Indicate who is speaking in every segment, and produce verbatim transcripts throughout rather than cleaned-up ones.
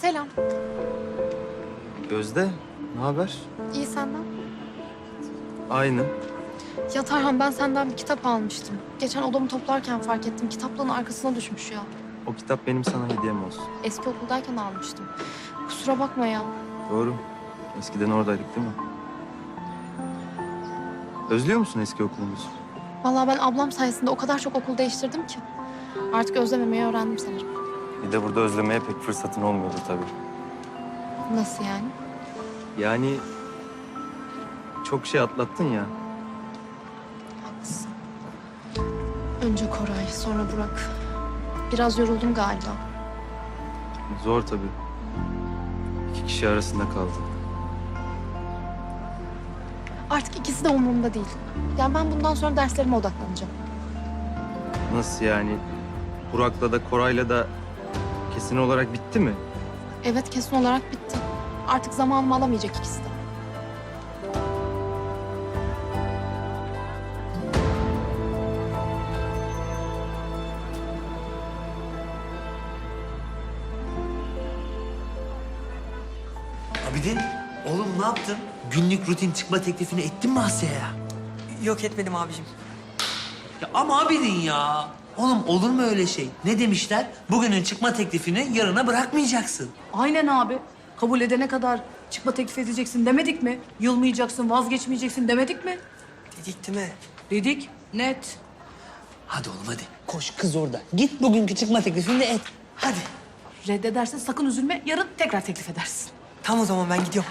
Speaker 1: Selam.
Speaker 2: Gözde, ne haber?
Speaker 1: İyi senden.
Speaker 2: Aynı.
Speaker 1: Ya Tarhan ben senden bir kitap almıştım. Geçen odamı toplarken fark ettim. Kitaplığın arkasına düşmüş ya.
Speaker 2: O kitap benim sana hediyem olsun.
Speaker 1: Eski okuldayken almıştım. Kusura bakma ya.
Speaker 2: Doğru. Eskiden oradaydık değil mi? Özlüyor musun eski okulumuzu?
Speaker 1: Vallahi ben ablam sayesinde o kadar çok okul değiştirdim ki. Artık özlememeyi öğrendim sanırım.
Speaker 2: Bir de burada özlemeye pek fırsatın olmuyordu tabii.
Speaker 1: Nasıl yani?
Speaker 2: Yani çok şey atlattın ya.
Speaker 1: Haklısın. Önce Koray, sonra Burak. Biraz yoruldum galiba.
Speaker 2: Zor tabii. İki kişi arasında kaldın.
Speaker 1: Artık ikisi de umurumda değil. Yani ben bundan sonra derslerime odaklanacağım.
Speaker 2: Nasıl yani? Burak'la da Koray'la da kesin olarak bitti mi?
Speaker 1: Evet, kesin olarak bitti. Artık zamanımı alamayacak ikisi de.
Speaker 3: Abidin, oğlum ne yaptın? Günlük rutin çıkma teklifini ettin mi Asya'ya?
Speaker 4: Yok etmedim abicim.
Speaker 3: Ya ama Abidin ya. Oğlum olur mu öyle şey? Ne demişler? Bugünün çıkma teklifini yarına bırakmayacaksın.
Speaker 5: Aynen abi. Kabul edene kadar çıkma teklif edeceksin demedik mi? Yılmayacaksın, vazgeçmeyeceksin demedik mi?
Speaker 4: Dedik değil mi?
Speaker 5: Dedik. Net.
Speaker 3: Hadi oğlum hadi. Koş kız orada. Git bugünkü çıkma teklifini de et. Hadi.
Speaker 5: Reddedersin sakın üzülme. Yarın tekrar teklif edersin.
Speaker 4: Tam o zaman ben gidiyorum.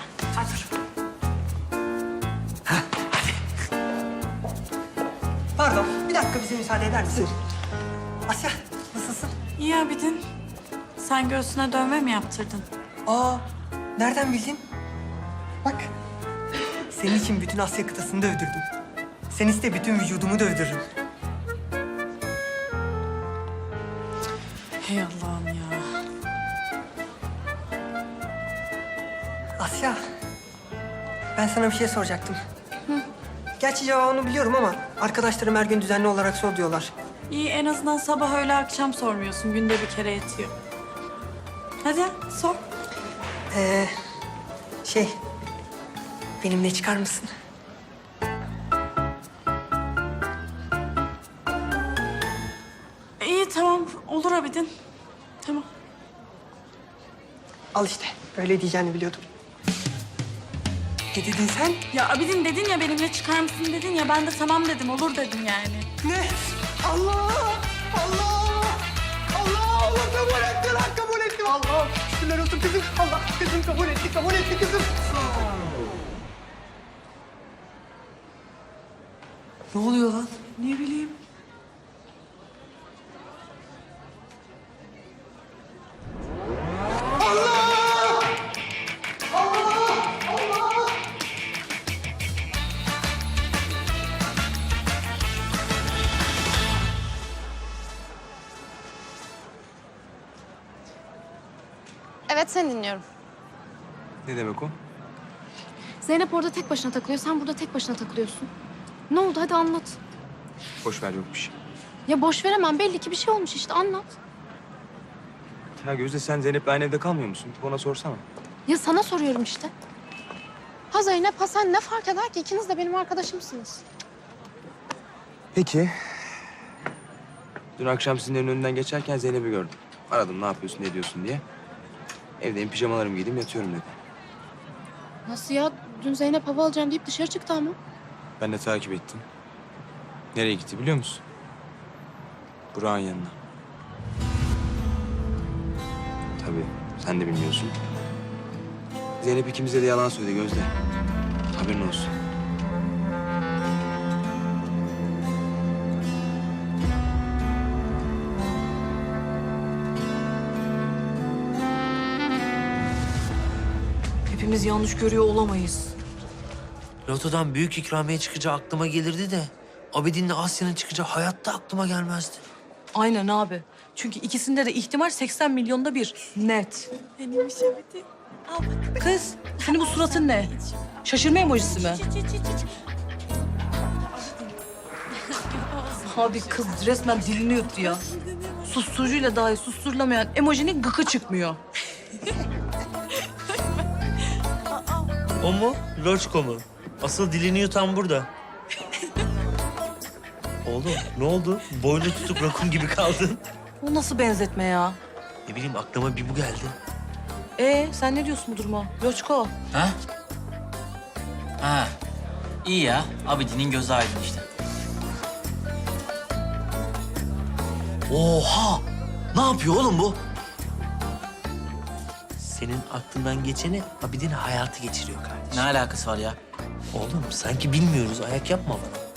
Speaker 4: Pardon, bir dakika bize müsaade eder misin? Asya, nasılsın?
Speaker 6: İyi Abidin. Sen göğsüne dövme mi yaptırdın?
Speaker 4: Aa, nereden bildin? Bak, senin için bütün Asya kıtasını dövdürdüm. Sen iste bütün vücudumu dövdürürüm.
Speaker 6: Hey Allah'ım ya.
Speaker 4: Asya, ben sana bir şey soracaktım. Gerçi cevabını biliyorum ama arkadaşlarım her gün düzenli olarak sor diyorlar.
Speaker 6: İyi en azından sabah öğle akşam sormuyorsun. Günde bir kere yetiyor. Hadi sor.
Speaker 4: Ee, şey, benimle çıkar mısın?
Speaker 6: İyi tamam olur Abidin. Tamam.
Speaker 4: Al işte, öyle diyeceğini biliyordum. Ne dedin sen?
Speaker 6: Ya Abidin dedin ya benimle çıkar mısın dedin ya ben de tamam dedim olur dedim yani.
Speaker 4: Ne? Allah! Allah! Allah! Allah kabul etti lan, kabul etti. Allah! Şükürler olsun kızım. Allah kızım kabul etti, kabul etti kızım.
Speaker 3: Ne oluyor lan?
Speaker 5: Ne bileyim.
Speaker 1: Evet, seni dinliyorum.
Speaker 2: Ne demek o?
Speaker 1: Zeynep orada tek başına takılıyor, sen burada tek başına takılıyorsun. Ne oldu? Hadi anlat.
Speaker 2: Boş ver, yok bir şey.
Speaker 1: Ya boş veremem. Belli ki bir şey olmuş işte. Anlat.
Speaker 2: Ya Gözde, sen Zeynep'le aynı evde kalmıyor musun? Ona sorsana.
Speaker 1: Ya sana soruyorum işte. Ha Zeynep, ha sen ne fark eder ki? İkiniz de benim arkadaşımsınız.
Speaker 2: Peki. Dün akşam sizin evin önünden geçerken Zeynep'i gördüm. Aradım ne yapıyorsun, ne diyorsun diye. Evdeyim, pijamalarımı giydim, yatıyorum dedi.
Speaker 1: Nasıl ya? Dün Zeynep hava alacağım deyip dışarı çıktı ama.
Speaker 2: Ben de takip ettim. Nereye gitti biliyor musun? Burak'ın yanına. Tabii, sen de bilmiyorsun. Zeynep ikimize de yalan söyledi Gözde. Haberin olsun.
Speaker 5: Hepimiz yanlış görüyor olamayız.
Speaker 3: Lotodan büyük ikramiye çıkacağı aklıma gelirdi de... Abidin'le Asya'nın çıkacağı hayatta aklıma gelmezdi.
Speaker 5: Aynen abi. Çünkü ikisinde de ihtimal seksen milyonda bir. Net.
Speaker 6: Benimmiş Abidin. Al bak.
Speaker 5: Kız, senin bu suratın ne? Şaşırma emojisi mi?
Speaker 6: Çiç, çiç, çiç, çiç.
Speaker 5: Abi kız resmen dilini yuttu ya. Susturucuyla dahi susturulamayan emojinin gıkı çıkmıyor.
Speaker 3: O mu? Loçko mu? Asıl dilini yutan burada. Oğlum ne oldu? Boynu tutup rakun gibi kaldın.
Speaker 5: Bu nasıl benzetme ya?
Speaker 3: Ne bileyim aklıma bir bu geldi.
Speaker 5: Ee sen ne diyorsun bu duruma? Loçko.
Speaker 7: Ha? Ha. İyi ya. Abidin'in gözü aydın işte.
Speaker 3: Oha! Ne yapıyor oğlum bu? Senin aklından geçeni Abidin hayatı geçiriyor kardeşim.
Speaker 7: Ne alakası var ya?
Speaker 3: Oğlum sanki bilmiyoruz. Ayak yapma bana.